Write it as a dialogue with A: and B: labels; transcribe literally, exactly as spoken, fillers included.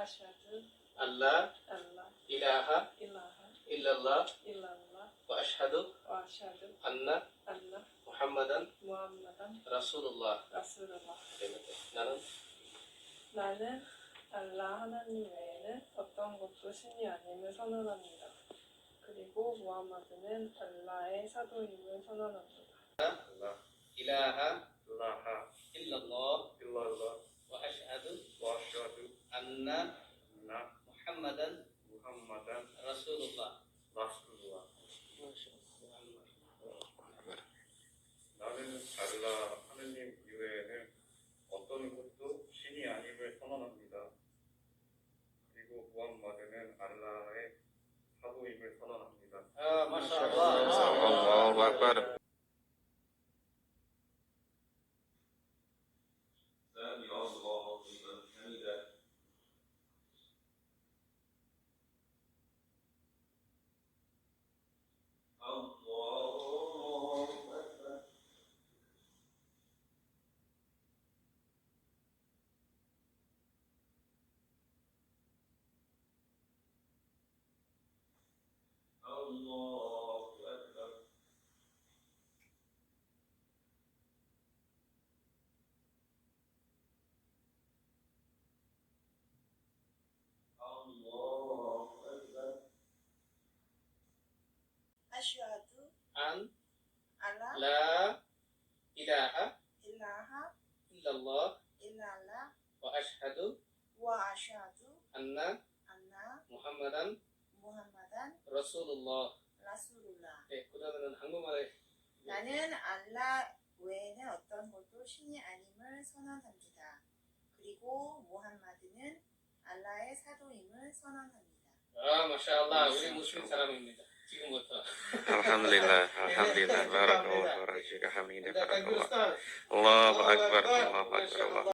A: أشهد
B: Allah
A: أن لا
B: ilaha
A: إله
B: illallah
A: إلا الله
B: wa ashhadu
A: وأشهد
B: anna
A: أن
B: Muhammadan
A: محمدا
B: Rasulullah.
A: رسول الله.
B: 나는
A: 나는 알라 하나님 외에는 어떤 것도 신이 아님을 선언합니다. 그리고 무함마드는 알라의 사도임을 선언합니다.
B: ilaha
C: ilaha
B: illallah
C: illallah
B: wa ashhadu
C: wa asyhadu
B: anna
C: anna
B: Muhammadan
C: Muhammadan
B: Rasulullah.
C: 라sulullah. 나는 알라 하느님 이외에는 어떤 것도 신이 아님을 선언합니다. 그리고 무함마드는 알라의 사도임을 선언합니다.
B: Ah, Masya Allah.
D: Allahu Akbar.
E: سمع الله لمن حمده الله أكبر الله أكبر الله أكبر
F: أشهد
B: An
F: أن لا
B: la ilaha
F: إله
B: illallah
F: إلا الله
B: wa ashhadu
F: وأشهد
B: anna
F: أن
B: Muhammadan
F: محمدا
B: Rasulullah.
F: رسول الله.
B: 네, 그다음에는 한국말에
F: 나는 알라 외에는 어떤 것도 신이 아님을 선언합니다. 그리고 무함마드는 알라의 사도임을 선언합니다.
B: 아, 마샤알라. 우리 무슬림 사람입니다. 지금부터.
D: Alhamdulillah, alhamdulillah. Barakallahu fiik. Hamidah.
B: Kita takbir
D: Barakallah.
B: Ustaz.
D: Allahu Akbar. Allahu Akbar.